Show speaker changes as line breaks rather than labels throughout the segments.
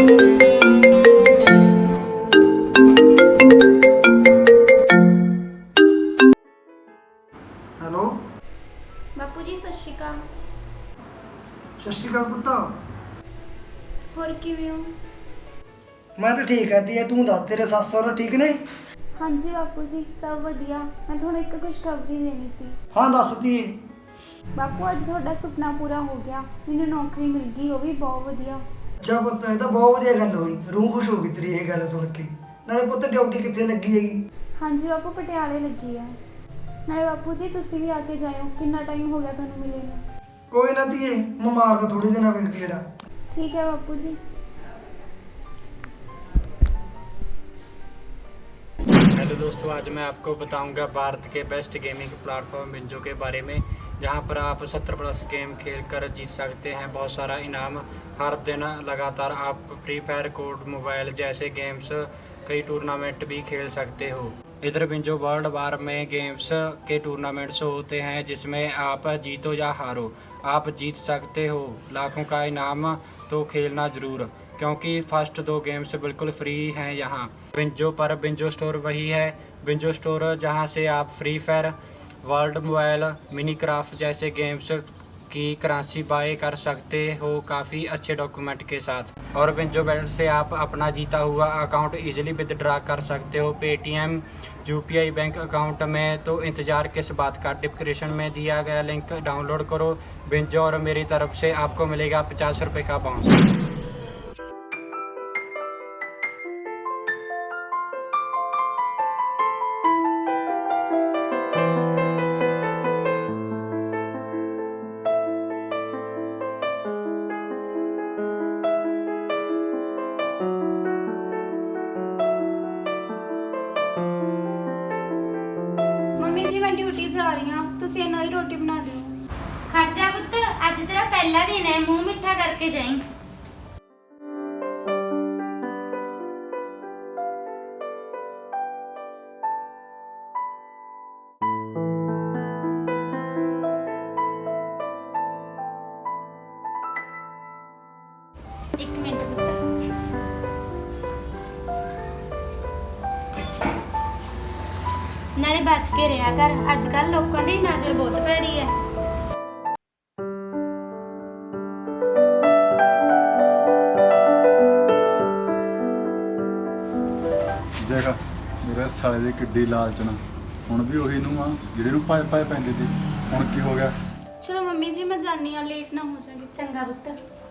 Hello
ਬਾਪੂ ਜੀ ਸਤਿ ਸ਼੍ਰੀ ਅਕਾਲ।
ਸਤਿ ਸ਼੍ਰੀ ਅਕਾਲ ਪੁੱਤ।
ਹੋਰ ਕਿਵੇਂ ਹੋ?
ਮੈਂ ਤਾਂ ਠੀਕ ਆ ਧੀਏ, ਤੂੰ ਦੱਸ ਤੇਰੇ ਸੱਸ ਸਹੁਰਾ ਠੀਕ ਨੇ?
ਹਾਂਜੀ ਬਾਪੂ ਜੀ ਸਭ ਵਧੀਆ। ਮੈਂ ਤੁਹਾਨੂੰ ਇੱਕ ਖੁਸ਼ਖਬਰੀ ਦੇਣੀ ਸੀ।
ਹਾਂ ਦੱਸ ਧੀਏ।
ਬਾਪੂ ਅੱਜ ਤੁਹਾਡਾ ਸੁਪਨਾ ਪੂਰਾ ਹੋ ਗਿਆ, ਮੈਨੂੰ ਨੌਕਰੀ ਮਿਲ ਗਈ, ਉਹ ਵੀ ਬਹੁਤ ਵਧੀਆ।
ਅੱਛਾ ਪੁੱਤ, ਇਹ ਤਾਂ ਬਹੁਤ ਵਧੀਆ ਗੱਲ ਹੋਈ, ਰੂਹ ਖੁਸ਼ ਹੋ ਗਈ ਤੇਰੀ ਇਹ ਗੱਲ ਸੁਣ ਕੇ। ਨਾਲੇ ਪੁੱਤ ਡਿਊਟੀ ਕਿੱਥੇ ਲੱਗੀ ਹੈਗੀ?
ਹਾਂਜੀ ਬਾਪੂ ਪਟਿਆਲੇ ਲੱਗੀ ਹੈ। ਨਾਲੇ ਬਾਪੂ ਜੀ ਤੁਸੀਂ ਵੀ ਆ ਕੇ ਜਾਇਓ, ਕਿੰਨਾ ਟਾਈਮ ਹੋ ਗਿਆ ਤੁਹਾਨੂੰ ਮਿਲੇ ਨੂੰ।
ਕੋਈ ਨਾ ਧੀਏ, ਮੈਂ ਮਾਰਦਾ ਥੋੜੇ ਦਿਨਾਂ ਵਿੱਚ ਗੇੜਾ।
ਠੀਕ ਹੈ ਬਾਪੂ ਜੀ।
हेलो दोस्तों, आज मैं आपको बताऊंगा भारत के बेस्ट गेमिंग प्लेटफॉर्म बिंजो के बारे में, जहां पर आप 70+ गेम खेलकर जीत सकते हैं बहुत सारा इनाम। हर दिन लगातार आप फ्री फायर, कोड मोबाइल जैसे गेम्स कई टूर्नामेंट भी खेल सकते हो। इधर बिंजो वर्ल्ड वार में गेम्स के टूर्नामेंट्स होते हैं जिसमें आप जीतो या हारो आप जीत सकते हो लाखों का इनाम। तो खेलना ज़रूर, क्योंकि फर्स्ट 2 गेम्स बिल्कुल फ्री हैं यहाँ बिंजो पर। बिंजो स्टोर वही है, बिंजो स्टोर जहाँ से आप free fire, world mobile, mini craft जैसे गेम्स की करेंसी बाय कर सकते हो काफ़ी अच्छे डॉक्यूमेंट के साथ। और बिंजो वैलेट से आप अपना जीता हुआ अकाउंट इजीली विदड्रा कर सकते हो पेटीएम, यूपीआई बैंक अकाउंट में। तो इंतज़ार किस बात का, डिस्क्रिप्शन में दिया गया लिंक डाउनलोड करो बिंजो, और मेरी तरफ से आपको मिलेगा 50 रुपये का बाउंस।
ਮੰਮੀ ਜੀ ਮੈਂ ਡਿਊਟੀ ਜਾ ਰਹੀ ਹਾਂ, ਤੁਸੀਂ ਇਹਨਾਂ ਦੀ ਰੋਟੀ ਬਣਾ ਦਿਓ।
ਖੜ ਜਾ ਪੁੱਤ, ਅੱਜ ਤੇਰਾ ਪਹਿਲਾ ਦਿਨ ਹੈ, ਮੂੰਹ ਮਿੱਠਾ ਕਰਕੇ ਜਾਈਂ। ਇੱਕ ਮਿੰਟ ਪੁੱਤ। ਨਾਲੇ ਬਚ ਕੇ ਰਿਹਾ ਕਰ, ਅੱਜ ਕੱਲ ਲੋਕਾਂ ਦੀ ਨਜ਼ਰ ਬਹੁਤ ਭੈੜੀ ਹੈ।
ਦੇਖ ਮੇਰੇ ਸਾਲੇ ਦੀ ਕਿੱਡੀ ਲਾਲਚਨਾ, ਹੁਣ ਵੀ ਉਹੀ ਨੂੰ ਆ ਜਿਹੜੇ ਨੂੰ ਪਾਏ ਪਾਏ ਪੈਂਦੇ ਸੀ। ਹੁਣ ਕੀ ਹੋ ਗਿਆ?
ਚਲੋ ਮੰਮੀ ਜੀ ਮੈਂ ਜਾਣੀ ਆ, ਲੇਟ ਨਾ ਹੋ ਜਾਗੇ।
ਚੰਗਾ ਪੁੱਤ।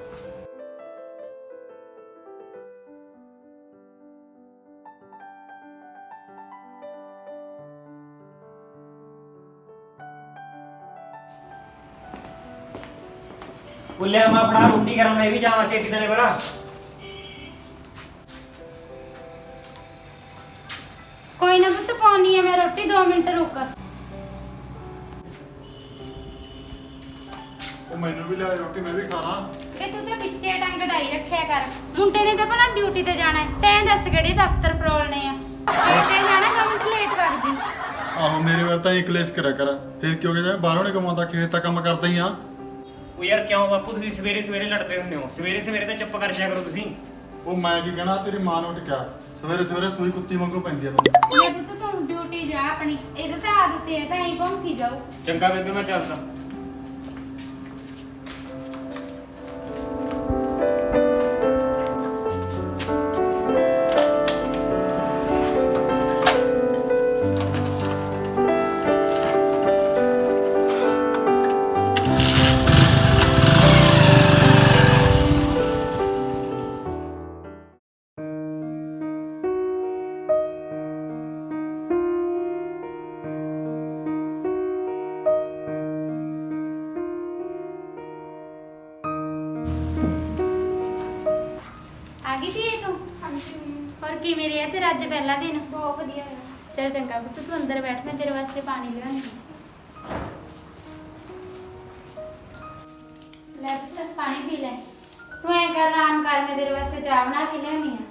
बोले हम अपना रोटी करा, मैं भी जावा छेती चले बड़ा।
ਕੋਈ ਨਾ ਪੁੱਤ, ਪਾਉਣੀ ਹੈ ਮੈਂ ਰੋਟੀ, 2 ਮਿੰਟ ਰੁਕ।
ਉਹ ਮੈਨੂੰ ਵੀ ਲਿਆ ਰੋਟੀ, ਮੈਂ ਵੀ ਖਾਣਾ।
ਵੇ ਤੂੰ ਤਾਂ ਵਿੱਚੇ ਟੰਗ ਢਾਈ ਰੱਖਿਆ ਕਰ। ਮੁੰਡੇ ਨੇ ਤਾਂ ਭਲਾ ਡਿਊਟੀ ਤੇ ਜਾਣਾ ਹੈ, ਤੈਂ ਦੱਸ ਕਿਹੜੇ ਦਫ਼ਤਰ ਪਰੋਲਣੇ ਆ। ਤੇ ਜਾਣਾ 2 ਮਿੰਟ ਲੇਟ ਵਗ ਜੀ।
ਆਹੋ ਮੇਰੇ ਵਾਰ ਤਾਂ ਕਲੇਸ਼ ਕਰਿਆ ਕਰ, ਫਿਰ ਕਿਉਂ ਕਿ ਬਾਹਰੋਂ ਨਹੀਂ ਕਮਾਉਂਦਾ, ਖੇਤ ਤਾਂ ਕੰਮ ਕਰਦਾ ਹੀ ਆ।
ਉਹ ਯਾਰ ਕਿਉਂ ਬਾਪੂ ਤੁਸੀਂ ਸਵੇਰੇ ਸਵੇਰੇ ਲੜਦੇ ਹੁੰਦੇ ਹੋ? ਸਵੇਰੇ ਸਵੇਰੇ ਤਾਂ ਚੁੱਪ ਕਰ ਜਾਇਆ ਕਰੋ ਤੁਸੀਂ।
ਉਹ ਮੈਂ ਕੀ ਕਹਿਣਾ, ਤੇਰੀ ਮਾਂ ਨੂੰ ਟਿਕਿਆ ਸਵੇਰੇ ਸਵੇਰੇ ਸੂਈ ਕੁੱਤੀ ਵਾਂਗੂ ਪੈਂਦੀ ਆ ਮੈਨੂੰ।
ਮੈਂ ਪੁੱਤ ਤੂੰ ਡਿਊਟੀ ਜਾ ਆਪਣੀ, ਇਹਦਾ ਤਾਂ ਆਦਤ ਹੈ, ਤਾਂ ਐਂ ਭੌਂਕੀ ਜਾਊ।
ਚੰਗਾ ਬੇਬੇ ਮੈਂ ਚੱਲਦਾ।
ਆ ਗਈ ਸੀ ਇਹ ਤੂੰ?
ਹਾਂਜੀ ਮੰਮੀ।
ਹੋਰ ਕਿਵੇਂ ਰਿਹਾ ਤੇਰਾ ਅੱਜ ਪਹਿਲਾ ਦਿਨ?
ਬਹੁਤ ਵਧੀਆ ਹੈ।
ਚੱਲ ਚੰਗਾ ਪੁੱਤ, ਤੂੰ ਅੰਦਰ ਬੈਠ, ਮੈਂ ਤੇਰੇ ਵਾਸਤੇ ਪਾਣੀ ਲਿਆਉਂਦੀ। ਲੈ ਪੁੱਤ ਪਾਣੀ ਪੀ ਲੈ। ਤੂੰ ਐਂ ਕਰ, ਆਰਾਮ ਕਰ, ਮੈਂ ਤੇਰੇ ਵਾਸਤੇ ਚਾਹ ਬਣਾ ਕੇ ਲਿਆਉਣੀ ਆ।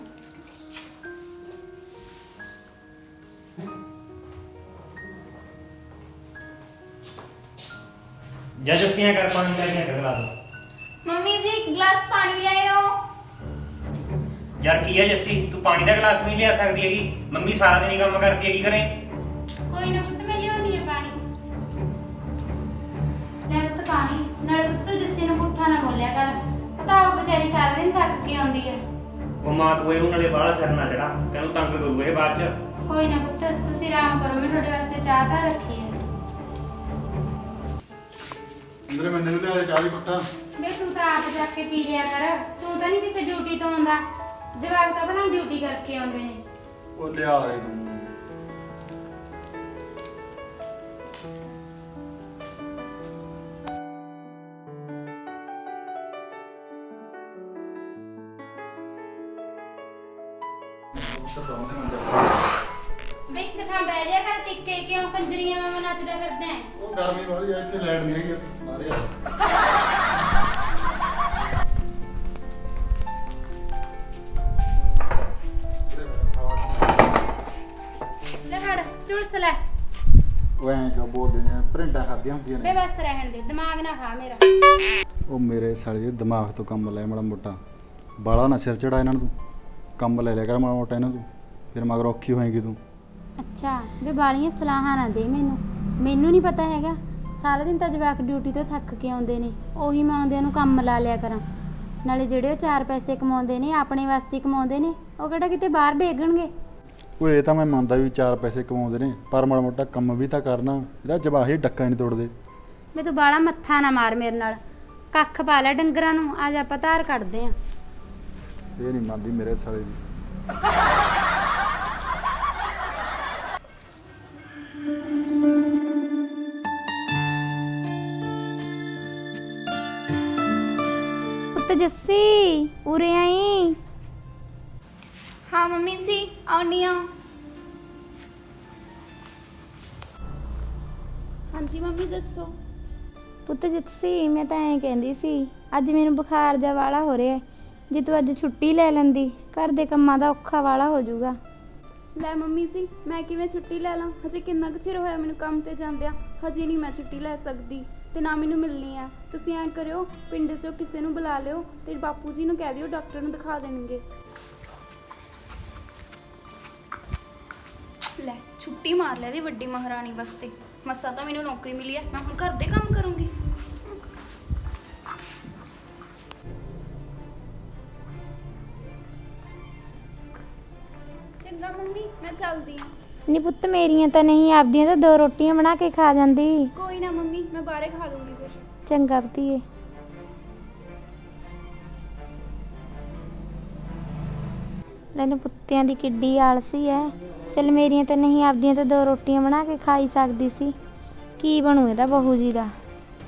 जज अस्सियां कर पानी का क्या गला दो।
ਮੰਮੀ ਜੀ ਇੱਕ ਗਲਾਸ ਪਾਣੀ ਲੈ ਆਓ।
ਯਾਰ ਕੀ ਹੈ ਜੱਸੀ, ਤੂੰ ਪਾਣੀ ਦਾ ਗਲਾਸ ਵੀ ਨਹੀਂ ਲਿਆ ਸਕਦੀ ਹੈਗੀ? ਮੰਮੀ ਸਾਰਾ ਦਿਨ ਹੀ ਕੰਮ ਕਰਦੀ ਹੈਗੀ ਘਰੇ।
ਕੋਈ ਨਾ ਪੁੱਤ, ਮੈਂ ਲਿਆਉਣੀ ਹੈ ਪਾਣੀ। ਲੈ ਪੁੱਤ ਪਾਣੀ। ਨਾਲੇ ਪੁੱਤ ਤੂੰ ਜੱਸੀ ਨੂੰ ਪੁੱਠਾ ਨਾ ਬੋਲਿਆ ਕਰ, ਪਤਾ ਉਹ ਵਿਚਾਰੀ ਸਾਰਾ ਦਿਨ ਥੱਕ ਕੇ ਆਉਂਦੀ ਹੈ।
ਉਹ ਮਾਂ ਤੂੰ ਇਹਨੂੰ ਨਾਲੇ ਬਾਹਲਾ ਸਿਰ ਨਾ ਚੜਾ, ਤੈਨੂੰ ਤੰਗ ਕਰੂ ਇਹ ਬਾਅਦ ਚ।
ਕੋਈ ਨਾ ਪੁੱਤ, ਤੁਸੀਂ ਆਰਾਮ ਕਰੋ, ਮੈਂ ਤੁਹਾਡੇ ਵਾਸਤੇ ਚਾਹ ਤਾਂ ਰੱਖੀ ਹੈ।
ਅੰਦਰ ਮੈਨੂੰ ਵੀ ਲਿਆ ਦੇ ਚਾਹ ਦੀ ਘੁੱਟਾ।
ਵੇ ਤੂੰ ਤਾਂ ਆਪ ਜਾ ਕੇ ਪੀ ਲਿਆ ਕਰ, ਤੂੰ ਤਾਂ ਨਹੀਂ ਕਿਸੇ ਡਿਊਟੀ ਤੋਂ ਆਉਂਦਾ। ਜਵਾਕ ਤਾਂ ਪਹਿਲਾਂ ਡਿਊਟੀ ਕਰਕੇ ਆਉਂਦੇ ਨੇ।
ਉਹ ਲਿਆ ਦੇ ਤੂੰ।
ਵੇ ਇੱਕ ਥਾਂ ਬਹਿ ਜਾ ਕਰ ਟਿੱਕੇ, ਕਿਉਂ ਕੰਜਰੀਆਂ ਵਾਂਗ ਨੱਚਦਾ ਫਿਰਦਾ ਹੈ?
ਉਹ ਗਰਮੀ ਵਾਲੀ ਆ, ਇੱਥੇ ਲੈਟ ਨਹੀਂ ਹੈਗੀ ਮਾਰੇ ਆ।
ਲੈ ਫੜ ਚੁਲਸ ਲੈ।
ਉਹ ਐਂ ਕਿਉਂ ਬੋਲਦੇ ਨੇ, ਪ੍ਰਿੰਟਾਂ ਖਾਦੀਆਂ ਹੁੰਦੀਆਂ
ਵੇ
ਨੇ।
ਬਸ ਰਹਿਣ ਦੇ, ਦਿਮਾਗ ਨਾ ਖਾ ਮੇਰਾ।
ਉਹ ਮੇਰੇ ਸਾਲੇ ਦੇ ਦਿਮਾਗ ਤੋਂ ਕੰਮ ਲੈ ਮਾੜਾ ਮੋਟਾ, ਬਾਲਾ ਨਾ ਸਿਰ ਚੜਾ ਇਹਨਾਂ ਨੂੰ। ਤੂੰ ਕੰਮ ਲੈ ਲਿਆ ਕਰ ਮਾੜਾ ਮੋਟਾ ਇਹਨਾਂ ਤੋਂ, ਫਿਰ ਮਗਰ ਔਖੀ ਹੋਏਗੀ ਤੂੰ।
ਅੱਛਾ ਵੇ ਬਾਲੀਆਂ ਸਲਾਹਾਂ ਨਾ ਦੇ ਮੈਨੂੰ ਨਹੀਂ ਪਤਾ ਹੈਗਾ। ਸਾਰਾ ਦਿਨ ਤਾਂ ਜਵਾਕ ਡਿਊਟੀ ਤੋਂ ਥੱਕ ਕੇ ਆਉਂਦੇ ਨੇ, ਉਹੀ ਮੈਂ ਆਉਂਦਿਆਂ ਨੂੰ ਕੰਮ ਲਾ ਲਿਆ ਕਰਾਂ। ਨਾਲੇ ਜਿਹੜੇ ਉਹ 4 ਪੈਸੇ ਕਮਾਉਂਦੇ ਨੇ ਆਪਣੇ ਵਾਸਤੇ ਕਮਾਉਂਦੇ ਨੇ, ਉਹ ਕਿਹੜਾ ਕਿਤੇ ਬਾਹਰ ਡੇਗਣਗੇ।
ਉਹ ਇਹ ਤਾਂ ਮੈਂ ਮੰਨਦਾ ਵੀ 4 ਪੈਸੇ ਕਮਾਉਂਦੇ ਨੇ, ਪਰ ਮਾੜਾ ਮੋਟਾ ਕੰਮ ਵੀ ਤਾਂ ਕਰਨਾ। ਇਹਦਾ ਜਵਾਹੀ ਡੱਕਾ ਨਹੀਂ ਤੋੜਦੇ।
ਵੇ ਤੂੰ ਬਾਲਾ ਮੱਥਾ ਨਾ ਮਾਰ ਮੇਰੇ ਨਾਲ, ਕੱਖ ਪਾ ਲੈ ਡੰਗਰਾਂ ਨੂੰ, ਅੱਜ ਆਪਾਂ ਧਾਰ ਕੱਢਦੇ ਆਂ।
ਇਹ ਨਹੀਂ ਮੰਨਦੀ ਮੇਰੇ ਸਾਲੇ ਦੀ।
ਪੁੱਤ ਜੱਸੀ ਉਰੇ ਆਈ।
ਹਾਂ ਮੰਮੀ ਜੀ ਆਉਣੀ ਆ। ਹਾਂਜੀ ਮੰਮੀ ਦੱਸੋ।
ਪੁੱਤ ਜੱਸੀ ਮੈਂ ਤਾਂ ਐਂ ਕਹਿੰਦੀ ਸੀ, ਅੱਜ ਮੈਨੂੰ ਬੁਖਾਰ ਜਾ ਵਾਲਾ ਹੋ ਰਿਹਾ, ਜੇ ਤੂੰ ਅੱਜ ਛੁੱਟੀ ਲੈ ਲੈਂਦੀ, ਘਰ ਦੇ ਕੰਮਾਂ ਦਾ ਔਖਾ ਵਾਲਾ ਹੋ ਜਾਊਗਾ।
ਲੈ ਮੰਮੀ ਜੀ ਮੈਂ ਕਿਵੇਂ ਛੁੱਟੀ ਲੈ ਲਾਂ? ਹਜੇ ਕਿੰਨਾ ਕੁ ਚਿਰ ਹੋਇਆ ਮੈਨੂੰ ਕੰਮ ਤੇ ਜਾਂਦਿਆਂ, ਹਜੇ ਨਹੀਂ ਮੈਂ ਛੁੱਟੀ ਲੈ ਸਕਦੀ ਤੇ ਨਾ ਮੈਨੂੰ ਮਿਲਣੀ ਆ। ਤੁਸੀਂ ਐਂ ਕਰਿਓ, ਪਿੰਡ 'ਚੋਂ ਕਿਸੇ ਨੂੰ ਬੁਲਾ ਲਿਓ ਤੇ ਬਾਪੂ ਜੀ ਨੂੰ ਕਹਿ ਦਿਓ ਡਾਕਟਰ ਨੂੰ ਦਿਖਾ ਦੇਣਗੇ। ਲੈ ਛੁੱਟੀ ਮਾਰ ਲੈ ਦੀ ਵੱਡੀ ਮਹਾਰਾਣੀ ਵਾਸਤੇ, ਮਸਾਂ ਤਾਂ ਮੈਨੂੰ ਨੌਕਰੀ ਮਿਲੀ ਹੈ, ਮੈਂ ਹੁਣ ਘਰ ਦੇ ਕੰਮ ਕਰੂੰਗੀ। ਚੰਗਾ ਮੰਮੀ ਮੈਂ ਚੱਲਦੀ ਹਾਂ।
ਨਹੀਂ ਪੁੱਤ ਮੇਰੀਆਂ ਤਾਂ ਨਹੀਂ, ਆਪਦੀਆਂ ਤਾਂ 2 ਰੋਟੀਆਂ ਬਣਾ ਕੇ ਖਾ ਜਾਂਦੀ।
ਕੋਈ ਨਾ ਮੰਮੀ ਮੈਂ ਬਾਹਰੇ ਖਾ ਲੂੰਗੀ ਕੁਛ।
ਚੰਗਾ ਪੁੱਤੀਏ। ਲੈਨ ਪੁੱਤਿਆਂ ਦੀ ਕਿੱਡੀ ਆਲਸੀ ਐ। ਚਲ ਮੇਰੀਆਂ ਤਾਂ ਨਹੀਂ, ਆਪਦੀਆਂ ਤਾਂ 2 ਰੋਟੀਆਂ ਬਣਾ ਕੇ ਖਾਈ ਸਕਦੀ ਸੀ। ਕੀ ਬਣੂ ਇਹਦਾ ਬਹੂ ਜੀ ਦਾ?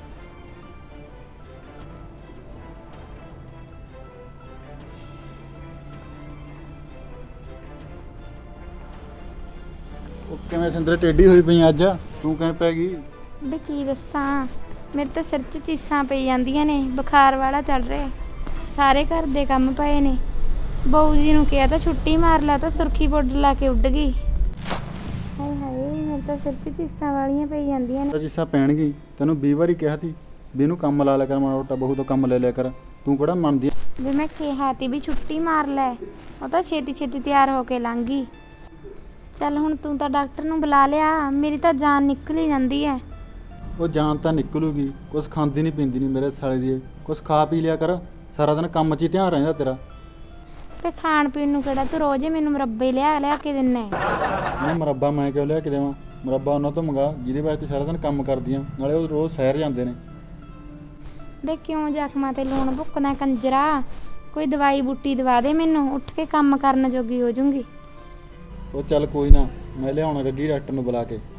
ਉਹ ਕਿਵੇਂ ਸਿੰਦਰੇ ਟੇਢੀ ਹੋਈ ਪਈ ਅੱਜ? ਤੂੰ ਕਿਵੇਂ ਪੈ ਗਈ?
ਬੇ ਕੀ ਦੱਸਾਂ, ਮੇਰੇ ਤਾਂ ਸਿਰ 'ਚ ਚੀਸਾਂ ਪਈ ਜਾਂਦੀਆਂ ਨੇ, ਬੁਖਾਰ ਵਾਲਾ ਚੱਲ ਰਿਹਾ, ਸਾਰੇ ਘਰ ਦੇ ਕੰਮ ਪਏ ਨੇ। ਬਹੂ ਜੀ ਨੂੰ ਕਿਹਾ ਤਾਂ ਛੁੱਟੀ ਮਾਰ ਲਾ, ਤਾਂ ਸੁਰਖੀ ਪਾਊਡਰ ਲਾ ਕੇ ਉੱਡ ਗਈ। ਹਾਏ ਹਾਏ ਮੇਰੇ ਤਾਂ ਸਿਰ 'ਚ ਚੀਸਾਂ ਵਾਲੀਆਂ ਪਈ ਜਾਂਦੀਆਂ ਨੇ।
ਚੀਸਾਂ ਪੈਣਗੀ, ਤੈਨੂੰ 20 ਵਾਰੀ ਕਿਹਾ ਸੀ ਵੀ ਇਹਨੂੰ ਕੰਮ ਲਾ ਲਿਆ ਕਰ ਮਾੜਾ ਮੋਟਾ, ਬਹੂ ਤੋਂ ਕੰਮ ਲੈ ਲਿਆ ਕਰ। ਤੂੰ ਕਿਹੜਾ ਮੰਨਦੀ?
ਵੀ ਮੈਂ ਕਿਹਾ ਤੀ ਵੀ ਛੁੱਟੀ ਮਾਰ ਲੈ, ਉਹ ਤਾਂ ਛੇਤੀ ਛੇਤੀ ਤਿਆਰ ਹੋ ਕੇ ਲੰਘ ਗਈ। ਚੱਲ ਹੁਣ ਤੂੰ ਤਾਂ ਡਾਕਟਰ ਨੂੰ ਬੁਲਾ ਲਿਆ, ਮੇਰੀ ਤਾਂ ਜਾਨ ਨਿਕਲ ਹੀ ਜਾਂਦੀ ਹੈ।
ਉਹ ਜਾਨ ਤਾਂ ਨਿਕਲੂਗੀ, ਕੁਛ ਖਾਂਦੀ ਨਹੀਂ ਪੀਂਦੀ ਨਹੀਂ ਮੇਰੇ ਸਾਲੇ ਦੀ। ਕੁਛ ਖਾ ਪੀ ਲਿਆ ਕਰ, ਸਾਰਾ ਦਿਨ ਕੰਮ 'ਚ ਹੀ ਧਿਆਨ ਰਹਿੰਦਾ ਤੇਰਾ।
ਤੇ ਖਾਣ ਪੀਣ ਨੂੰ ਕਿਹੜਾ ਤੂੰ ਰੋਜ਼ ਹੀ ਮੈਨੂੰ ਮੁਰੱਬੇ ਲਿਆ ਕੇ ਦਿੰਦਾ ਹੈ?
ਮੈਂ ਮੁਰੱਬਾ ਮੈਂ ਕਿਉਂ ਲਿਆ ਕੇ ਦੇਵਾਂ? ਮੁਰੱਬਾ ਉਹਨਾਂ ਤੋਂ ਮੰਗਾ ਜਿਹਦੇ ਵਾਸਤੇ ਸਾਰਾ ਦਿਨ ਕੰਮ ਕਰਦੀਆਂ, ਨਾਲੇ ਉਹ ਰੋਜ਼ ਸੈਰ ਜਾਂਦੇ ਨੇ।
ਵੇ ਕਿਉਂ ਜ਼ਖਮਾਂ ਤੇ ਲੂਣ ਭੁੱਕਦਾ ਕੰਜਰਾ? ਕੋਈ ਦਵਾਈ ਬੂਟੀ ਦਵਾ ਦੇ ਮੈਨੂੰ, ਉੱਠ ਕੇ ਕੰਮ ਕਰਨ ਜੋਗੀ ਹੋ ਜਾਊਂਗੀ।
ਉਹ ਚੱਲ ਕੋਈ ਨਾ, ਮੈਂ ਲਿਆਉਣਾ ਗੱਗੀ ਡਾਕਟਰ ਨੂੰ ਬੁਲਾ ਕੇ।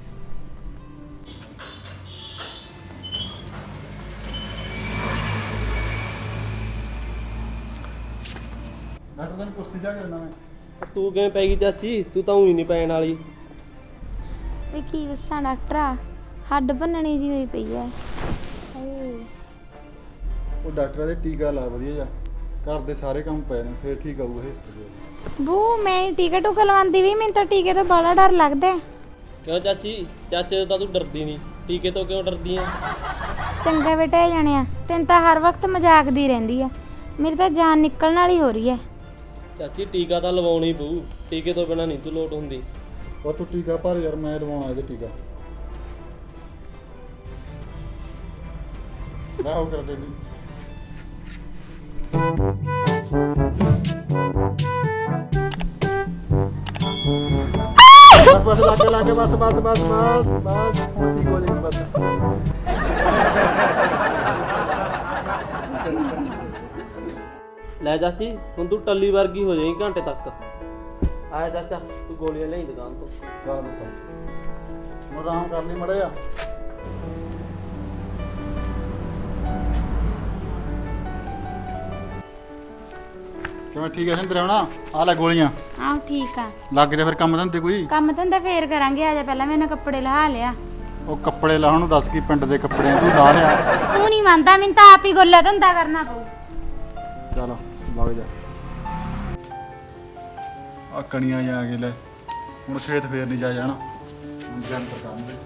ਡਾਕਟਰ ਨੂੰ ਕੁਰਸੀ ਜਾ ਕੇ ਦੇਣਾ ਮੈਂ।
ਤੂੰ ਕਿਵੇਂ ਪੈ ਗਈ ਚਾਚੀ? ਤੂੰ ਤਾਂ ਉਹੀ ਨਹੀਂ ਪੈਣ ਵਾਲੀ।
ਵੀ ਕੀ ਦੱਸਾਂ ਡਾਕਟਰਾ, ਹੱਡ ਭੰਨਣੀ ਜੀ ਹੋਈ ਪਈ ਹੈ। ਹਾਏ
ਉਹ ਡਾਕਟਰ ਦੇ ਟੀਕਾ ਲਾ ਵਧੀਆ ਜਾ, ਘਰ ਦੇ ਸਾਰੇ ਕੰਮ ਪਏ ਨੇ, ਫੇਰ ਠੀਕ ਆਊ ਇਹ।
ਬੂ ਮੈਂ ਟੀਕਾ ਟੂਕਾ ਲਵਾਉਂਦੀ ਵੀ, ਮੈਨੂੰ ਤਾਂ ਟੀਕੇ ਤੋਂ ਬੜਾ ਡਰ ਲੱਗਦਾ ਹੈ।
ਕਿਉਂ ਚਾਚੀ? ਚਾਚੇ ਤੋਂ ਤਾਂ ਤੂੰ ਡਰਦੀ ਨਹੀਂ, ਟੀਕੇ ਤੋਂ ਕਿਉਂ ਡਰਦੀ ਆ?
ਚੰਗਾ ਬੇਟਾ ਇਹ ਜਾਣਿਆ, ਤੈਨੂੰ ਤਾਂ ਹਰ ਵਕਤ ਮਜ਼ਾਕ ਦੀ ਰਹਿੰਦੀ ਆ, ਮੇਰੀ ਤਾਂ ਜਾਨ ਨਿਕਲਣ ਵਾਲੀ ਹੋ ਰਹੀ ਹੈ।
ਚਾਚੀ ਟੀਕਾ ਤਾਂ ਲਵਾਉਣੀ ਪਊ, ਟੀਕੇ ਤੋਂ ਬਿਨਾਂ ਨਹੀਂ ਤੂੰ ਲੋਟ ਹੁੰਦੀ।
ਉਹ ਤੂੰ ਟੀਕਾ ਭਰ ਯਾਰ, ਮੈਂ ਲਵਾਉਣਾ ਇਹਦੇ ਟੀਕਾ। ਲੈ ਉਹ ਕਰ ਡੇਡੀ। ਬਸ ਲੱਗੇ ਬਸ ਹੁਣ ਠੀਕ ਹੋ ਜਾਏਗੀ ਬਸ।
ਲੈ ਚਾਚੀ ਹੁਣ ਤੂੰ ਟੱਲੀ ਵਰਗੀ ਹੋ ਜਾਏਗੀ ਘੰਟੇ ਤੱਕ। ਆਇਆ ਚਾਚਾ ਤੂੰ ਗੋਲੀਆਂ ਲਈ ਦੁਕਾਨ ਤੋਂ।
ਚੱਲ ਪੁੱਤ ਹੁਣ ਆਰਾਮ ਕਰ ਲਈ ਮੜੇ ਆ। ਕਿਵੇਂ ਠੀਕ ਹੈ ਸਿੰਦਰ ਹੋਣਾ? ਆ ਲੈ ਗੋਲੀਆਂ।
ਆਹ ਠੀਕ ਆ।
ਲੱਗ ਜਾ ਫਿਰ ਕੰਮ ਧੰਦੇ ਕੋਈ।
ਕੰਮ ਧੰਦਾ ਫੇਰ ਕਰਾਂਗੇ, ਆ ਜਾ ਪਹਿਲਾਂ ਮੈਨੇ ਕੱਪੜੇ ਲਹਾ ਲਿਆ।
ਉਹ ਕੱਪੜੇ ਲਾਉਣ ਨੂੰ ਦੱਸ ਕੀ ਪਿੰਡ ਦੇ ਕੱਪੜੇ ਤੂੰ ਲਾ ਲਿਆ।
ਤੂੰ ਨਹੀਂ ਮੰਨਦਾ, ਮੈਨੂੰ ਤਾਂ ਆਪ ਹੀ ਗੋਲਾ ਧੰਦਾ ਕਰਨਾ ਪਊ।
ਚੱਲ ਵਗ ਜਾ। ਆ ਕਣੀਆਂ ਜਾ ਕੇ ਲੈ ਹੁਣ ਖੇਤ ਫੇਰ ਨਹੀਂ ਜਾ ਜਾਣਾ, ਹੁਣ ਜੰਤਰ ਕੰਮ ਦੇ।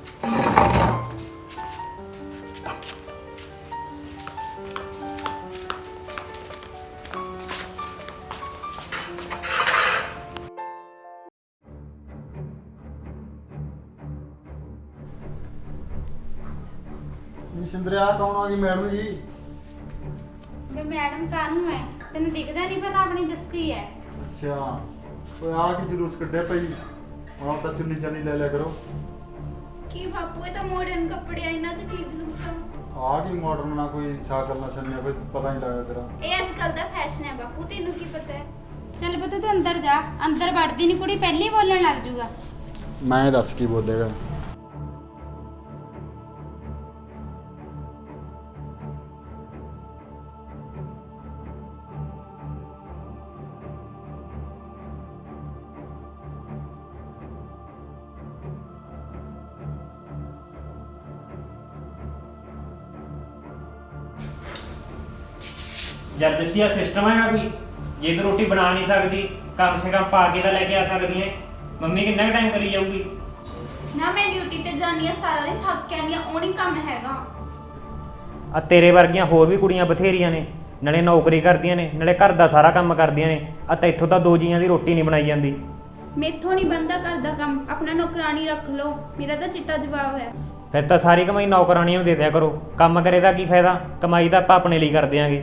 ਸਿੰਦਰਿਆ ਕੌਣ ਆ ਗਈ ਮੈਡਮ ਜੀ?
ਵੇ ਮੈਡਮ ਕਾਹਨੂੰ ਹੈ, ਤੈਨੂੰ ਦਿਖਦਾ ਨਹੀਂ ਪਰ ਆਪਣੀ ਜੱਸੀ ਹੈ।
ਅੱਛਾ ਓਏ ਆ ਕੀ ਜਲੂਸ ਕੱਢਿਆ ਪਈ? ਹੁਣ ਤਾਂ ਚੁੰਨੀ ਚਾਨੀ ਲੈ ਲਿਆ ਕਰੋ।
ਕੀ ਬਾਪੂ, ਇਹ ਤਾਂ ਮਾਡਰਨ ਕੱਪੜੇ ਆ, ਇਹਨਾਂ 'ਚ ਕੀ ਜਲੂਸ ਆ?
ਆ ਕੀ ਮਾਡਰਨ ਨਾ ਕੋਈ ਸ਼ਾਕਲ ਨਾ ਛੰਨਿਆ, ਕੋਈ ਪਤਾ ਨਹੀਂ ਲੱਗਦਾ ਤੇਰਾ।
ਇਹ ਅੱਜ ਕੱਲ ਦਾ ਫੈਸ਼ਨ ਹੈ ਬਾਪੂ, ਤੈਨੂੰ ਕੀ ਪਤਾ ਹੈ?
ਚੱਲ ਪੁੱਤ ਤੂੰ ਅੰਦਰ ਜਾ, ਅੰਦਰ ਵੜਦੀ ਨਹੀਂ ਕੁੜੀ ਪਹਿਲੀ ਬੋਲਣ ਲੱਗ ਜੂਗਾ।
ਮੈਂ ਦੱਸ ਕੀ ਬੋਲੇਗਾ?
ਜਦ ਦੱਸਿਆ ਸਿਸਟਮ ਹੈਗਾ ਕੋਈ, ਜੇ ਤੂੰ ਰੋਟੀ ਬਣਾ ਨਹੀਂ ਸਕਦੀ ਕਮ ਸੇ ਕਮ ਪਾ ਕੇ ਤਾਂ ਲੈ ਕੇ ਆ ਸਕਦੀ ਹੈ। ਮੰਮੀ ਕਿੰਨਾ ਕੁ ਟਾਈਮ ਕਰੀ ਜਾਊਗੀ?
ਨਾ ਮੈਂ ਡਿਊਟੀ ਤੇ ਜਾਂਦੀ ਆ, ਸਾਰਾ ਦਿਨ ਥੱਕ ਕੇ ਆਉਂਦੀ ਆ, ਉਹ ਨਹੀਂ ਕੰਮ ਹੈਗਾ।
ਆ ਤੇਰੇ ਵਰਗੀਆਂ ਹੋਰ ਵੀ ਕੁੜੀਆਂ ਬਥੇਰੀਆਂ ਨੇ, ਨਾਲੇ ਨੌਕਰੀ ਕਰਦੀਆਂ ਨੇ ਨਾਲੇ ਘਰ ਦਾ ਸਾਰਾ ਕੰਮ ਕਰਦੀਆਂ ਨੇ। ਆ ਤਾਂ ਇੱਥੋਂ ਤਾਂ 2 ਜੀਆਂ ਦੀ ਰੋਟੀ ਨਹੀਂ ਬਣਾਈ ਜਾਂਦੀ।
ਮੈਥੋਂ ਨਹੀਂ ਬੰਦਾ ਕਰਦਾ ਕੰਮ, ਆਪਣਾ ਨੌਕਰਾਨੀ ਰੱਖ ਲਓ, ਮੇਰਾ ਤਾਂ ਚਿੱਟਾ ਜਵਾਬ ਹੈ।
ਫਿਰ ਤਾਂ ਸਾਰੀ ਕਮਾਈ ਨੌਕਰਾਣੀਆਂ ਨੂੰ ਦੇ ਦਿਆ ਕਰੋ, ਕੰਮ ਕਰੇ ਦਾ ਕੀ ਫਾਇਦਾ? ਕਮਾਈ ਤਾਂ ਆਪਾਂ ਆਪਣੇ ਲਈ ਕਰਦੇ ਆਂਗੇ।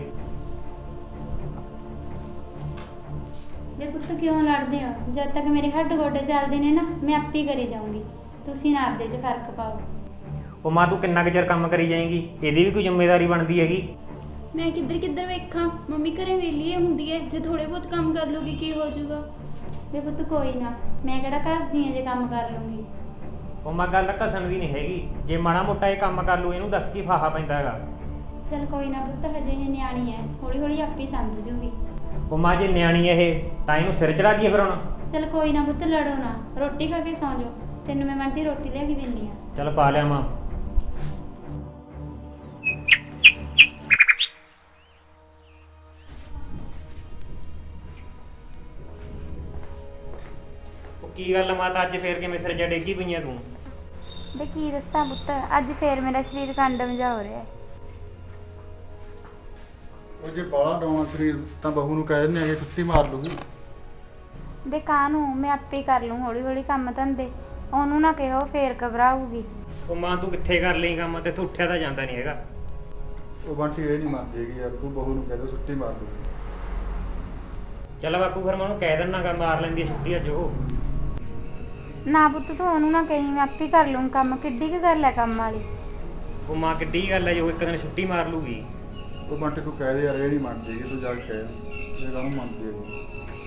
ਵੇ ਪੁੱਤ ਕਿਉਂ ਲੜਦੇ ਹੋ? ਜਦ ਤੱਕ ਮੇਰੇ ਹੱਡ ਗੋਡੇ ਚੱਲਦੇ ਨੇ ਨਾ, ਮੈਂ ਆਪੇ ਕਰੀ ਜਾਊਂਗੀ। ਤੁਸੀਂ ਨਾ ਆਪਦੇ 'ਚ ਫਰਕ ਪਾਓ।
ਉਹ ਮਾਂ ਤੂੰ ਕਿੰਨਾ ਕੁ ਚਿਰ ਕੰਮ ਕਰੀ ਜਾਏਂਗੀ? ਇਹਦੀ ਵੀ ਕੋਈ ਜ਼ਿੰਮੇਵਾਰੀ ਬਣਦੀ ਹੈਗੀ।
ਮੈਂ ਕਿੱਧਰ ਵੇਖਾਂ, ਮੰਮੀ ਘਰੇ ਵਿਹਲੀ ਹੁੰਦੀ ਹੈ, ਜੇ ਥੋੜੇ ਬਹੁਤ ਕੰਮ ਕਰ ਲੂਗੀ ਕੀ ਹੋ ਜਾਊਗਾ?
ਵੇ ਪੁੱਤ ਕੋਈ ਨਾ, ਮੈਂ ਕਿਹੜਾ ਘਸਦੀ ਆ ਜੇ ਕੰਮ ਕਰ ਲੂੰਗੀ।
ਉਹ ਮਾਂ ਗੱਲ ਘਸਣ ਦੀ ਨਹੀਂ ਹੈਗੀ, ਜੇ ਮਾੜਾ ਮੋਟਾ ਇਹ ਕੰਮ ਕਰ ਲੂ ਇਹਨੂੰ ਦੱਸ ਕੀ ਫਾਹਾ ਪੈਂਦਾ ਹੈਗਾ।
ਚੱਲ ਕੋਈ ਨਾ ਪੁੱਤ, ਹਜੇ ਇਹ ਨਿਆਣੀ ਹੈ, ਹੌਲੀ ਹੌਲੀ ਆਪੇ ਸਮਝ ਜੂਗੀ।
ਉਹ ਮਾਂ ਜੇ ਨਿਆਣੀ ਇਹ ਤਾਂ ਇਹਨੂੰ ਸਿਰ ਚੜਾ ਦਈਏ ਫਿਰ ਹੁਣ।
ਚੱਲ ਕੋਈ ਨਾ ਪੁੱਤ, ਲੜੋ ਨਾ, ਰੋਟੀ ਖਾ ਕੇ ਸੌਂ ਜਾਓ। ਤੈਨੂੰ ਮੈਂ ਬੰਟੀ ਰੋਟੀ ਲਿਆ ਕੇ ਦਿੰਦੀ ਆ।
ਚੱਲ ਪਾ ਲਿਆ ਮਾਂ। ਉਹ ਕੀ ਗੱਲ ਮਾਤਾ, ਅੱਜ ਫੇਰ ਕਿਵੇਂ ਸਿਰ ਜਾ ਡੇਗੀ ਪਈਆਂ ਤੂੰ?
ਵੇ ਕੀ ਦੱਸਾਂ ਪੁੱਤ, ਅੱਜ ਫੇਰ ਮੇਰਾ ਸਰੀਰ ਕੰਡਮ ਜਾ ਹੋ ਰਿਹਾ ਹੈ।
ਉਹ ਜੇ ਬਾਲਾ ਡਾਉਣਾ ਸਰੀਰ ਤਾਂ ਬਹੂ ਨੂੰ ਕਹਿ ਦਿੰਦੇ ਆ ਕਿ ਛੁੱਟੀ ਮਾਰ ਲੂਗੀ।
ਵੇ ਕਾਹਨੂੰ, ਮੈਂ ਆਪੇ ਕਰ ਲੂੰ ਹੌਲੀ ਹੌਲੀ ਕੰਮ ਧੰਦੇ। ਉਹਨੂੰ ਨਾ ਕਿਹੋ, ਫੇਰ ਘਬਰਾਊਗੀ।
ਉਹ ਮਾਂ ਤੂੰ ਕਿੱਥੇ ਕਰ ਲਈ ਕੰਮ, ਤੇ ਤੂੰ ਉੱਠਿਆ ਤਾਂ ਜਾਂਦਾ ਨਹੀਂ ਹੈਗਾ।
ਉਹ ਬੰਟੀ ਇਹ ਨਹੀਂ ਮੰਨਦੀ ਹੈਗੀ ਯਾਰ, ਤੂੰ ਬਹੂ ਨੂੰ ਕਹਿ ਦੇ ਛੁੱਟੀ ਮਾਰ ਲੂਗੀ।
ਚੱਲ ਬਾਪੂ ਫਿਰ ਮੈਂ ਉਹਨੂੰ ਕਹਿ ਦਿੰਨਾਗਾ ਮਾਰ ਲੈਂਦੀ ਹੈ ਛੁੱਟੀ ਅੱਜ ਉਹ।
ਨਾ ਪੁੱਤ ਤੂੰ ਉਹਨੂੰ ਨਾ ਕਹੀਂ, ਮੈਂ ਆਪੇ ਕਰ ਲੂੰ ਕੰਮ। ਕਿੱਡੀ ਕੁ ਗੱਲ ਹੈ ਕੰਮ ਵਾਲੀ?
ਉਹ ਮਾਂ ਕਿੱਡੀ ਗੱਲ ਹੈ ਜੋ ਇੱਕ ਦਿਨ ਛੁੱਟੀ ਮਾਰ ਲੂਗੀ।
ਉਹ ਬੰਟੀ ਤੂੰ ਕਹਿ ਦੇ ਯਾਰ, ਇਹ ਨਹੀਂ ਮੰਨਦੀ ਹੈਗੀ, ਤੂੰ ਜਾ ਕੇ ਕਹਿ ਇਹ ਕਾਹਨੂੰ ਮੰਨਦੀ ਹੈਗੀ।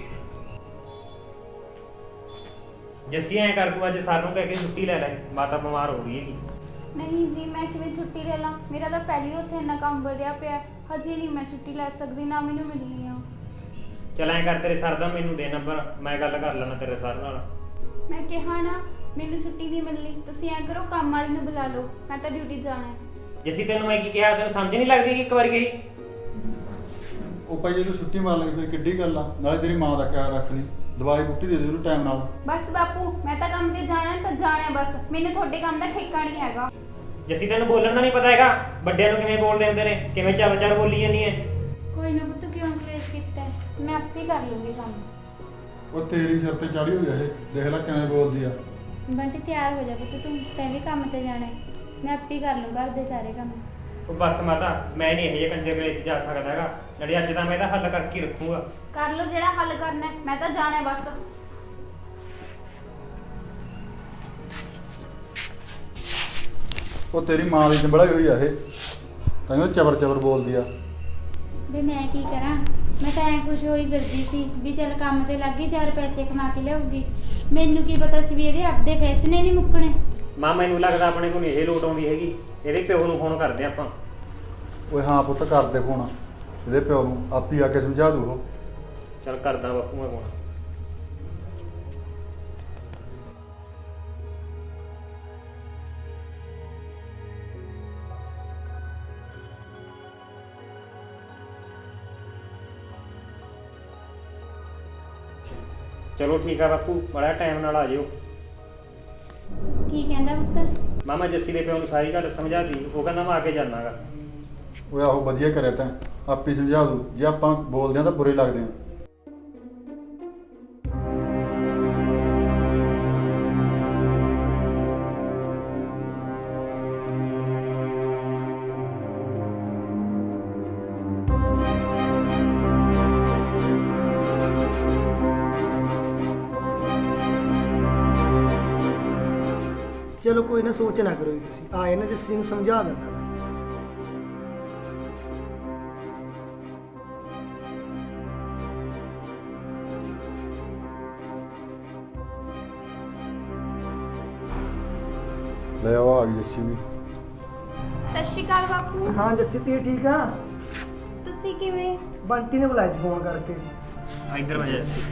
ਜੱਸੀ ਐਂ ਕਰ, ਤੂੰ ਅੱਜ ਸਾਨੂੰ ਕਹਿ ਕੇ ਛੁੱਟੀ ਲੈ ਲੈ, ਮਾਤਾ ਬਿਮਾਰ ਹੋ ਰਹੀ ਹੈਗੀ।
ਨਹੀਂ ਜੀ, ਮੈਂ ਕਿਵੇਂ ਛੁੱਟੀ ਲੈ ਲਾਂ? ਮੇਰਾ ਤਾਂ ਪਹਿਲੀ ਉੱਥੇ ਇੰਨਾ ਕੰਮ ਵਧਿਆ ਪਿਆ, ਹਜੇ ਨਹੀਂ ਮੈਂ ਛੁੱਟੀ ਲੈ ਸਕਦੀ, ਨਾ ਮੈਨੂੰ ਮਿਲਣੀ ਆ।
ਚੱਲ ਐਂ ਕਰ, ਤੇਰੇ ਸਰ ਦਾ ਮੈਨੂੰ ਦੇ ਨੰਬਰ, ਮੈਂ ਗੱਲ ਕਰ ਲੈਣਾ ਤੇਰੇ ਸਰ ਨਾਲ।
ਮੈਂ ਕਿਹਾ ਨਾ ਮੈਨੂੰ ਛੁੱਟੀ ਨਹੀਂ ਮਿਲਣੀ, ਤੁਸੀਂ ਐਂ ਕਰੋ ਕੰਮ ਵਾਲੀ ਨੂੰ ਬੁਲਾ ਲਓ, ਮੈਂ ਤਾਂ ਡਿਊਟੀ ਜਾਣਾ ਹੈ।
ਜੱਸੀ ਤੈਨੂੰ ਮੈਂ ਕੀ ਕਿਹਾ, ਤੈਨੂੰ ਸਮਝ ਨਹੀਂ ਲੱਗਦੀ ਕਿ ਇੱਕ ਵਾਰ ਗਈ?
ਉਹ ਭਾਈ ਜੇ ਤੂੰ ਛੁੱਟੀ ਮਾਰ ਲਈ ਫਿਰ ਕਿੱਡੀ ਗੱਲ ਆ? ਨਾਲੇ ਤੇਰੀ ਮਾਂ ਦਾ ਖਿਆਲ ਰੱਖ ਲਈ, ਦਵਾਈ ਬੂਟੀ ਦੇ ਦੇ ਉਹਨੂੰ ਟਾਈਮ ਨਾਲ।
ਬਸ ਬਾਪੂ, ਮੈਂ ਤਾਂ ਕੰਮ ਤੇ ਜਾਣਾ ਤਾਂ ਜਾਣਾ ਹੈ, ਬਸ ਮੈਨੂੰ ਤੁਹਾਡੇ ਕੰਮ ਦਾ ਠੇਕਾ ਨਹੀਂ ਹੈਗਾ।
ਜੱਸੀ ਤੈਨੂੰ ਬੋਲਣ ਦਾ ਨਹੀਂ ਪਤਾ ਹੈਗਾ? ਵੱਡਿਆਂ ਨੂੰ ਕਿਵੇਂ ਬੋਲਦੇ ਹੁੰਦੇ ਨੇ, ਕਿਵੇਂ ਚਾਵ ਚਾਰ ਬੋਲੀ ਜਾਂਦੀ ਹੈ।
ਕੋਈ ਨਾ ਪੁੱਤ, ਕਿਉਂ ਕਲੇਸ਼ ਕੀਤਾ ਹੈ? ਮੈਂ ਆਪੇ ਕਰ ਲੂੰਗੀ ਕੰਮ।
ਉਹ ਤੇਰੀ ਸਿਰ ਤੇ ਚੜੀ ਹੋਈ ਆ ਇਹ, ਦੇਖ ਲੈ ਕਿਵੇਂ ਬੋਲਦੀ ਆ।
ਬੰਟੀ ਤਿਆਰ ਹੋ ਜਾ ਪੁੱਤ, ਤੂੰ ਤੈਂ ਵੀ ਕੰਮ ਤੇ ਜਾਣਾ ਹੈ। ਮੈਂ ਆਪੇ ਕਰ ਲੂੰ ਘਰ ਦੇ ਸਾਰੇ ਕੰਮ।
ਉਹ ਬਸ ਮਾਤਾ, ਮੈਂ ਨਹੀਂ ਇਹ ਜਿਹੇ ਕੰਜਰ ਵੇਲੇ 'ਚ ਜਾ ਸਕਦਾ ਹੈਗਾ। ਨਾਲੇ ਅੱਜ ਤਾਂ ਮੈਂ ਇਹਦਾ ਹੱਲ ਕਰਕੇ ਹੀ ਰੱਖੂੰਗਾ।
ਕਰ ਲਓ ਜਿਹੜਾ ਹੱਲ ਕਰਨਾ ਹੈ, ਮੈਂ ਤਾਂ ਜਾਣਾ ਹੈ ਬਸ।
ਉਹ ਤੇਰੀ ਮਾਂ ਦੀ ਚੰਬੜਾਈ ਹੋਈ ਆ ਇਹ, ਤਾਂ ਉਹ ਚਬਰ ਚਬਰ ਬੋਲਦੀ ਆ।
ਵੀ ਮੈਂ ਕੀ ਕਰਾਂ, ਮੈਂ ਤਾਂ ਐ ਖੁਸ਼ ਹੋਈ ਫਿਰਦੀ ਸੀ ਵੀ ਚੱਲ ਕੰਮ ਤੇ ਲੱਗ ਗਈ, 4 ਪੈਸੇ ਕਮਾ ਕੇ ਲਿਆਉਗੀ। ਮੈਨੂੰ ਕੀ ਪਤਾ ਸੀ ਵੀ ਇਹਦੇ ਆਪਦੇ ਫੈਸਲੇ ਨਹੀਂ ਮੁੱਕਣੇ।
ਮਾਂ ਮੈਨੂੰ ਲੱਗਦਾ ਆਪਣੇ ਕੋਲ ਨਹੀਂ ਇਹ ਲੋਟ ਆਉਂਦੀ ਹੈਗੀ। ਇਹਦੇ ਪਿਓ ਨੂੰ ਫੋਨ ਕਰਦੇ ਆਪਾਂ।
ਓਏ ਹਾਂ ਪੁੱਤ, ਕਰਦੇ ਫੋਨ ਇਹਦੇ ਪਿਓ ਨੂੰ, ਆਪੀ ਆ ਕੇ ਸਮਝਾ ਦੂ ਉਹ।
ਚੱਲ ਕਰਦਾ ਬਾਪੂ ਮੈਂ ਫੋਨ। ਚਲੋ ਠੀਕ ਆ ਬਾਪੂ, ਬੜਾ ਟਾਈਮ ਨਾਲ ਆ ਜਿਓ।
ਕੀ ਕਹਿੰਦਾ ਪੁੱਤ?
ਮਾਮਾ ਜੱਸੀ ਦੇ ਪਿਓ ਨੂੰ ਸਾਰੀ ਗੱਲ ਸਮਝਾਤੀ, ਉਹ ਕਹਿੰਦਾ ਮੈਂ ਆ ਕੇ ਜਾਣਾਗਾ।
ਓਏ ਆਹੋ ਵਧੀਆ ਕਰਿਆ ਤੈਂ, ਆਪੀ ਸਮਝਾ ਦੂ। ਜੇ ਆਪਾਂ ਬੋਲਦੇ ਆ ਤਾਂ ਬੁਰੇ ਲੱਗਦੇ ਆ।
ਚਲੋ ਕੋਈ ਨਾ, ਸੋਚ ਨਾ ਕਰੋ ਜੀ ਤੁਸੀਂ। ਆਏ ਨਾ ਜੱਸੀ ਨੂੰ ਸਮਝਾ ਦਿੰਦਾ ਮੈਂ।
ਲੈ ਆਓ, ਆ ਗਈ ਜੱਸੀ ਵੀ।
ਸਤਿ ਸ਼੍ਰੀ ਅਕਾਲ ਬਾਪੂ।
ਹਾਂ ਜੱਸੀ ਤੀ ਠੀਕ ਆ?
ਤੁਸੀਂ ਕਿਵੇਂ?
ਬੰਟੀ ਨੇ ਬੁਲਾਇਆ ਸੀ ਫੋਨ ਕਰਕੇ।
ਇੱਧਰ ਵਜਾ ਜੱਸੀ।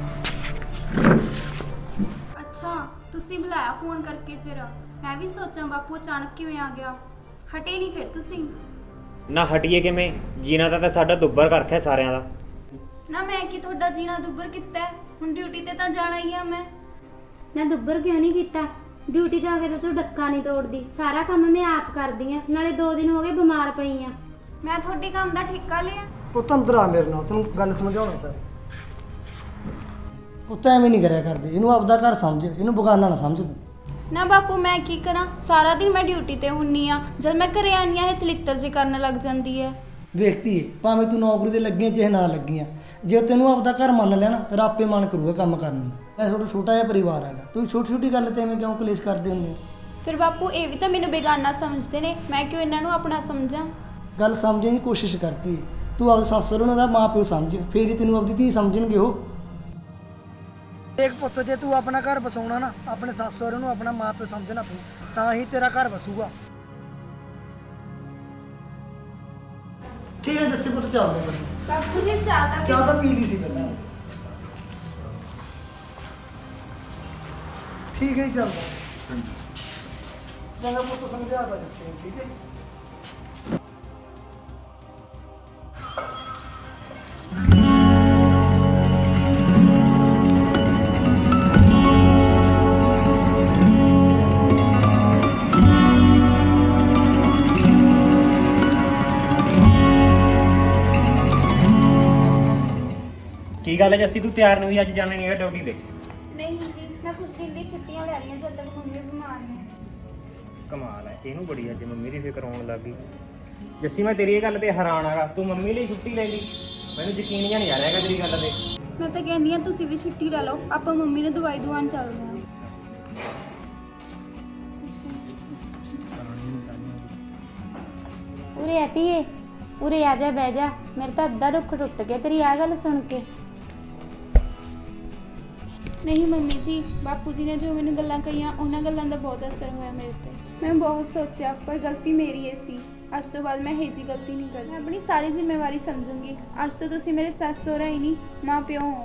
ਅੱਛਾ, ਤੁਸੀਂ ਬੁਲਾਇਆ ਫੋਨ ਕਰਕੇ। ਫਿਰ ਮੈਂ ਵੀ ਸੋਚਾਂ ਬਾਪੂ ਅਚਾਨਕ ਕਿਵੇਂ ਆ ਗਿਆ। ਹਟੇ ਨਹੀਂ ਫਿਰ ਤੁਸੀਂ?
ਨਾ ਹਟੀਏ ਕਿਵੇਂ, ਜੀਣਾ ਤਾਂ ਸਾਡਾ ਦੁੱਬਰ ਕਰਖਿਆ ਸਾਰਿਆਂ ਦਾ।
ਨਾ ਮੈਂ ਕੀ ਤੁਹਾਡਾ ਜੀਣਾ ਦੁੱਬਰ ਕੀਤਾ ਹੈ? ਹੁਣ ਡਿਊਟੀ ਤੇ ਤਾਂ ਜਾਣਾ ਹੀ ਆ ਮੈਂ।
ਨਾ ਦੁੱਬਰ ਕਿਉਂ ਨਹੀਂ ਕੀਤਾ? ਡਿਊਟੀ ਤੇ ਆ ਕੇ ਤਾਂ ਤੂੰ ਡੱਕਾ ਨਹੀਂ ਤੋੜਦੀ, ਸਾਰਾ ਕੰਮ ਮੈਂ ਆਪ ਕਰਦੀ ਆ। ਨਾਲੇ 2 ਦਿਨ ਹੋ ਗਏ ਬਿਮਾਰ ਪਈ ਆ।
ਮੈਂ ਤੁਹਾਡੇ ਕੰਮ ਦਾ ਠੇਕਾ ਲਿਆ?
ਪੁੱਤ ਅੰਦਰ ਆ ਮੇਰੇ ਨਾਲ, ਤੈਨੂੰ ਗੱਲ ਸਮਝਾਉਣਾ ਸਰ। ਪੁੱਤ ਐਵੇਂ ਨਹੀਂ ਕਰਿਆ ਕਰਦੇ, ਇਹਨੂੰ ਆਪਦਾ ਘਰ ਸਮਝ, ਇਹਨੂੰ ਬਗਾਨਾ ਨਾ ਸਮਝ ਤੂੰ।
ਨਾ ਬਾਪੂ ਮੈਂ ਕੀ ਕਰਾਂ, ਸਾਰਾ ਦਿਨ ਮੈਂ ਡਿਊਟੀ ਤੇ ਹੁੰਨੀ ਆ। ਜਦ ਮੈਂ ਘਰੇ ਆਨੀ ਆ ਇਹ ਚਲਿੱਤਰ ਜੀ ਕਰਨ ਲੱਗ ਜਾਂਦੀ ਹੈ।
ਵੇਖਤੀ ਏ, ਭਾਵੇਂ ਤੂੰ ਨੌਕਰੀ ਤੇ ਲੱਗੀਆਂ ਚਾਹੇ ਨਾ ਲੱਗੀਆਂ, ਜੇ ਤੈਨੂੰ ਆਪਦਾ ਘਰ ਮੰਨ ਲਿਆ ਨਾ ਫਿਰ ਆਪੇ ਮਨ ਕਰੂਗਾ ਕੰਮ ਕਰਨ ਨੂੰ। ਇਹ ਤੁਹਾਡਾ ਛੋਟਾ ਜਿਹਾ ਪਰਿਵਾਰ ਹੈਗਾ, ਤੂੰ ਛੋਟੀ ਛੋਟੀ ਗੱਲ ਤੇ ਐਵੇਂ ਕਿਉਂ ਕਲੇਸ਼ ਕਰਦੇ ਹੁੰਦੇ ਹੋ?
ਫਿਰ ਬਾਪੂ ਇਹ ਵੀ ਤਾਂ ਮੈਨੂੰ ਬੇਗਾਨਾ ਸਮਝਦੇ ਨੇ, ਮੈਂ ਕਿਉਂ ਇਹਨਾਂ ਨੂੰ ਆਪਣਾ ਸਮਝਾਂ?
ਗੱਲ ਸਮਝਣ ਦੀ ਕੋਸ਼ਿਸ਼ ਕਰਤੀ। ਤੂੰ ਆਪਦੇ ਸੱਸ ਸਹੁਰੇ ਨੂੰ ਉਹਦਾ ਮਾਂ ਪਿਓ ਸਮਝ, ਫੇਰ ਹੀ ਤੈਨੂੰ ਆਪਦੀ ਧੀ ਸਮਝਣਗੇ ਉਹ। ਦੇਖ ਪੁੱਤ, ਜੇ ਤੂੰ ਆਪਣਾ ਘਰ ਬਸਾਉਣਾ ਨਾ, ਆਪਣੇ ਸੱਸ ਸਹੁਰੇ ਨੂੰ ਆਪਣਾ ਮਾਂ ਪਿਓ ਸਮਝਣਾ ਪਊ, ਤਾਂ ਹੀ ਤੇਰਾ ਘਰ ਬਸੂਗਾ। ਠੀਕ ਹੈ ਜੱਸੀ ਪੁੱਤ, ਚੱਲਦੇ ਹਾਂ।
ਬਾਪੂ ਜੀ ਚਾਹ
ਚਾਹ ਤਾਂ ਪੀ ਲਈ ਸੀ ਪਹਿਲਾਂ। ਠੀਕ ਹੈ ਜੀ, ਚੱਲਦਾ। ਚੰਗਾ ਪੁੱਤ, ਸਮਝਾ ਤਾ ਜੱਸੀ ਨੂੰ, ਠੀਕ ਹੈ।
ਕੀ ਗੱਲ ਹੈ ਜੱਸੀ, ਤੂੰ ਤਿਆਰ ਨਹੀਂ ਹੋਈ? ਅੱਜ ਜਾਣਾ ਨਹੀਂ ਹੈਗਾ ਡਿਊਟੀ ਤੇ?
ਨਹੀਂ ਜੀ, ਮੈਂ ਕੁਝ ਦਿਨ ਦੀ ਛੁੱਟੀਆਂ ਲੈ ਰਹੀਆਂ ਜਦ ਤੱਕ ਮੰਮੀ ਬਿਮਾਰ ਨੇ।
ਕਮਾਲ ਹੈ, ਇਹਨੂੰ ਬੜੀ ਅੱਜ ਮੰਮੀ ਦੀ ਫਿਕਰ ਆਉਣ ਲੱਗ ਗਈ। ਜੱਸੀ ਮੈਂ ਤੇਰੀ ਇਹ ਗੱਲ ਤੇ ਹੈਰਾਨ ਆਗਾ, ਤੂੰ ਮੰਮੀ ਲਈ ਛੁੱਟੀ ਲੈ ਲਈ। ਮੈਨੂੰ ਯਕੀਨ ਜਿਹਾ ਨਹੀਂ ਆ ਰਿਹਾ ਹੈਗਾ ਤੇਰੀ ਗੱਲ ਤੇ।
ਮੈਂ ਤਾਂ ਕਹਿੰਦੀ ਆ ਤੁਸੀਂ ਵੀ ਛੁੱਟੀ ਲੈ ਲਓ, ਆਪਾਂ ਮੰਮੀ ਨੂੰ ਦਵਾਈ ਦਵਾਉਣ ਚੱਲਦੇ ਹਾਂ।
ਉਰੇ ਆਤੀਏ, ਉਰੇ ਆ ਜਾ, ਬਹਿ ਜਾ। ਮੇਰੇ ਤਾਂ ਅੱਧਾ ਰੁੱਖ ਟੁੱਟ ਗਿਆ ਤੇਰੀ ਆ ਗੱਲ ਸੁਣ ਕੇ।
ਨਹੀਂ ਮੰਮੀ ਜੀ, ਬਾਪੂ ਜੀ ਨੇ ਜੋ ਮੈਨੂੰ ਗੱਲਾਂ ਕਹੀਆਂ, ਉਹਨਾਂ ਗੱਲਾਂ ਦਾ ਬਹੁਤ ਅਸਰ ਹੋਇਆ ਮੇਰੇ ਤੇ। ਮੈਂ ਬਹੁਤ ਸੋਚਿਆ, ਪਰ ਗਲਤੀ ਮੇਰੀ ਏ ਸੀ। ਅੱਜ ਤੋਂ ਬਾਅਦ ਮੈਂ ਇਹ ਜੀ ਗਲਤੀ ਨਹੀਂ ਕਰਨੀ। ਮੈਂ ਆਪਣੀ ਸਾਰੀ ਜ਼ਿੰਮੇਵਾਰੀ ਸਮਝੂੰਗੀ। ਅੱਜ ਤੋਂ ਤੁਸੀਂ ਮੇਰੇ ਸੱਸ ਸਹੁਰਾ ਹੀ ਨਹੀਂ, ਮਾਂ ਪਿਓ ਹੋ।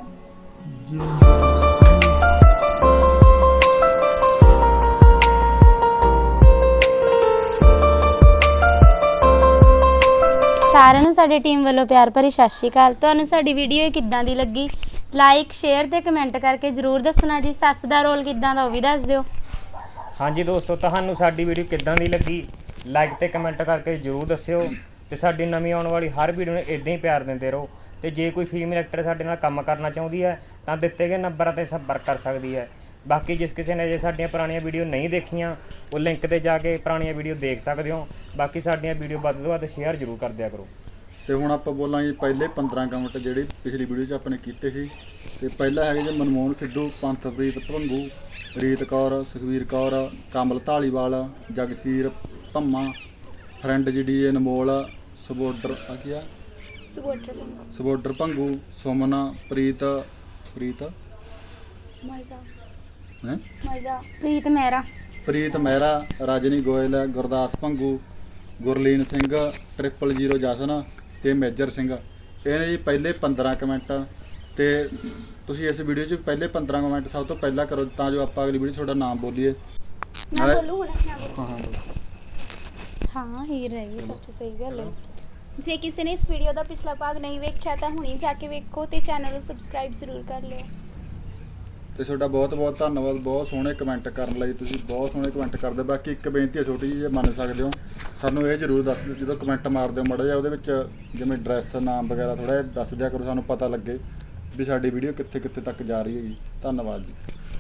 ਸਾਰਿਆਂ ਨੂੰ ਸਾਡੀ ਟੀਮ ਵੱਲੋਂ ਪਿਆਰ ਭਰੀ ਸਤਿ ਸ਼੍ਰੀ ਅਕਾਲ। ਤੁਹਾਨੂੰ ਸਾਡੀ ਵੀਡੀਓ ਕਿੱਦਾਂ ਦੀ ਲੱਗੀ? ਲਾਈਕ, ਸ਼ੇਅਰ ਤੇ ਕਮੈਂਟ ਕਰਕੇ ਜ਼ਰੂਰ ਦੱਸਣਾ ਜੀ। ਸੱਸ ਦਾ ਰੋਲ ਕਿੱਦਾਂ ਦਾ ਉਹ ਵੀ ਦੱਸ ਦਿਓ।
ਹਾਂਜੀ ਦੋਸਤੋ, ਤੁਹਾਨੂੰ ਸਾਡੀ ਵੀਡੀਓ ਕਿੱਦਾਂ ਦੀ ਲੱਗੀ? ਲਾਈਕ ਤੇ ਕਮੈਂਟ ਕਰਕੇ ਜ਼ਰੂਰ ਦੱਸਿਓ। ਤੇ ਸਾਡੀ ਨਵੀਂ ਆਉਣ ਵਾਲੀ ਹਰ ਵੀਡੀਓ ਨੂੰ ਇਦਾਂ ਹੀ ਪਿਆਰ ਦਿੰਦੇ ਰਹੋ। ਤੇ ਜੇ ਕੋਈ ਫੀਮੇਲ ਐਕਟਰ ਸਾਡੇ ਨਾਲ ਕੰਮ ਕਰਨਾ ਚਾਹੁੰਦੀ ਹੈ ਤਾਂ ਦਿੱਤੇ ਗਏ ਨੰਬਰਾਂ ਤੇ ਸੰਪਰਕ ਕਰ ਸਕਦੀ ਹੈ। ਬਾਕੀ ਜਿਸ ਕਿਸੇ ਨੇ ਜੇ ਸਾਡੀਆਂ ਪੁਰਾਣੀਆਂ ਵੀਡੀਓ ਨਹੀਂ ਦੇਖੀਆਂ ਉਹ ਲਿੰਕ ਤੇ ਜਾ ਕੇ ਪੁਰਾਣੀਆਂ ਵੀਡੀਓ ਦੇਖ ਸਕਦੇ ਹੋ। ਬਾਕੀ ਸਾਡੀਆਂ ਵੀਡੀਓ ਵੱਧ ਤੋਂ ਵੱਧ ਸ਼ੇਅਰ ਜ਼ਰੂਰ ਕਰ ਦਿਆ ਕਰੋ।
ਤੇ ਹੁਣ ਆਪਾਂ ਬੋਲਾਂਗੇ ਪਹਿਲੇ 15 ਕਮੈਂਟ ਜਿਹੜੇ ਪਿਛਲੀ ਵੀਡੀਓ 'ਚ ਆਪਾਂ ਨੇ ਕੀਤੇ ਸੀ। ਤੇ ਪਹਿਲਾ ਹੈਗਾ ਜੀ ਮਨਮੋਹਨ ਸਿੱਧੂ, ਪੰਥਪ੍ਰੀਤ ਭੰਗੂ, ਰੀਤ ਕੌਰ, ਸੁਖਵੀਰ ਕੌਰ, ਕਮਲ ਢਾਲੀਵਾਲ, ਜਗਸੀਰ ਧੰਮਾ, ਫਰੈਂਡ ਜੀ ਅਨਮੋਲ, ਸਬੋਡਰ ਭੰਗੂ, ਸੁਮਨ, ਪ੍ਰੀਤ ਪ੍ਰੀਤ ਮਹਿਰਾ, ਰਾਜਨੀ ਗੋਇਲ, ਗੁਰਦਾਸ ਭੰਗੂ, ਗੁਰਲੀਨ ਸਿੰਘ, 000 ਜਸਨ ਤੇ ਮੇਜਰ ਸਿੰਘ। ਇਹ ਨੇ ਜੀ ਪਹਿਲੇ 15 ਕਮੈਂਟ। ਤੇ ਤੁਸੀਂ ਇਸ ਵੀਡੀਓ 'ਚ ਪਹਿਲੇ 15 ਕਮੈਂਟ ਸਭ ਤੋਂ ਪਹਿਲਾਂ ਕਰੋ ਤਾਂ ਜੋ ਆਪਾਂ ਅਗਲੀ ਵੀਡੀਓ 'ਚ ਤੁਹਾਡਾ ਨਾਮ ਬੋਲੀਏ।
ਹਾਂ ਹੀਰ ਰਹਿ ਗਈ, ਸੱਚ ਸਹੀ ਗੱਲ ਹੈ। ਜੇ ਕਿਸੇ ਨੇ ਇਸ ਵੀਡੀਓ ਦਾ ਪਿਛਲਾ ਭਾਗ ਨਹੀਂ ਵੇਖਿਆ ਤਾਂ ਹੁਣੀ ਜਾ ਕੇ ਵੇਖੋ ਤੇ ਚੈਨਲ ਨੂੰ ਸਬਸਕ੍ਰਾਈਬ ਜ਼ਰੂਰ ਕਰ ਲਿਓ।
ਤੇ ਤੁਹਾਡਾ ਬਹੁਤ ਬਹੁਤ ਧੰਨਵਾਦ ਬਹੁਤ ਸੋਹਣੇ ਕਮੈਂਟ ਕਰਨ ਲਈ। ਤੁਸੀਂ ਬਹੁਤ ਸੋਹਣੇ ਕਮੈਂਟ ਕਰਦੇ। ਬਾਕੀ ਇੱਕ ਬੇਨਤੀ ਹੈ ਛੋਟੀ ਜਿਹੀ, ਜੇ ਮੰਨ ਸਕਦੇ ਹੋ ਸਾਨੂੰ ਇਹ ਜ਼ਰੂਰ ਦੱਸ ਦਿਓ ਜਦੋਂ ਕਮੈਂਟ ਮਾਰਦੇ ਹੋ ਮਾੜਾ ਜਿਹਾ ਉਹਦੇ ਵਿੱਚ ਜਿਵੇਂ ਐਡਰੈਸ ਨਾਮ ਵਗੈਰਾ ਥੋੜ੍ਹਾ ਜਿਹਾ ਦੱਸ ਦਿਆ ਕਰੋ, ਸਾਨੂੰ ਪਤਾ ਲੱਗੇ ਵੀ ਸਾਡੀ ਵੀਡੀਓ ਕਿੱਥੇ ਕਿੱਥੇ ਤੱਕ ਜਾ ਰਹੀ ਹੈ ਜੀ। ਧੰਨਵਾਦ ਜੀ।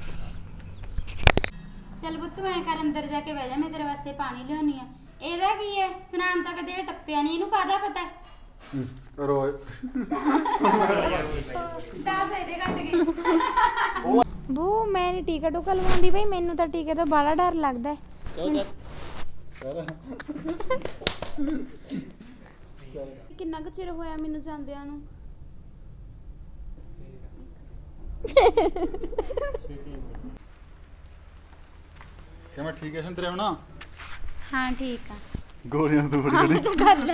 ਚੱਲ ਪੁੱਤ ਐ ਕਰ ਅੰਦਰ ਜਾ ਕੇ ਬਹਿ ਜਾ, ਮੈਂ ਤੇਰੇ ਵਾਸਤੇ ਪਾਣੀ ਲਿਆਉਣੀ ਆ। ਇਹਦਾ ਕੀ ਹੈ? ਸਨਾਮ ਤਾਂ ਕਦੇ ਟੱਪਿਆ ਨਹੀਂ, ਇਹਨੂੰ ਕਾਹਦਾ ਪਤਾ ਹੈ?
ਰੋਏ
ਬੂ ਮੈਂ ਨਹੀਂ ਟੀਕਾ ਟੂਕਾ ਲਵਾਉਂਦੀ ਬਈ, ਮੈਨੂੰ ਤਾਂ ਟੀਕੇ ਤੋਂ ਬੜਾ ਡਰ ਲੱਗਦਾ ਹੈ।
ਕਿੰਨਾ ਕੁ ਚਿਰ ਹੋਇਆ ਮੈਨੂੰ ਜਾਂਦਿਆਂ ਨੂੰ?
ਕਿਵੇਂ ਠੀਕ ਹੈ ਸੰਤਰੇ ਹੁਣ?
ਹਾਂ ਠੀਕ ਆ।
ਗੋਲੀਆਂ ਤੋਂ ਬੜੀ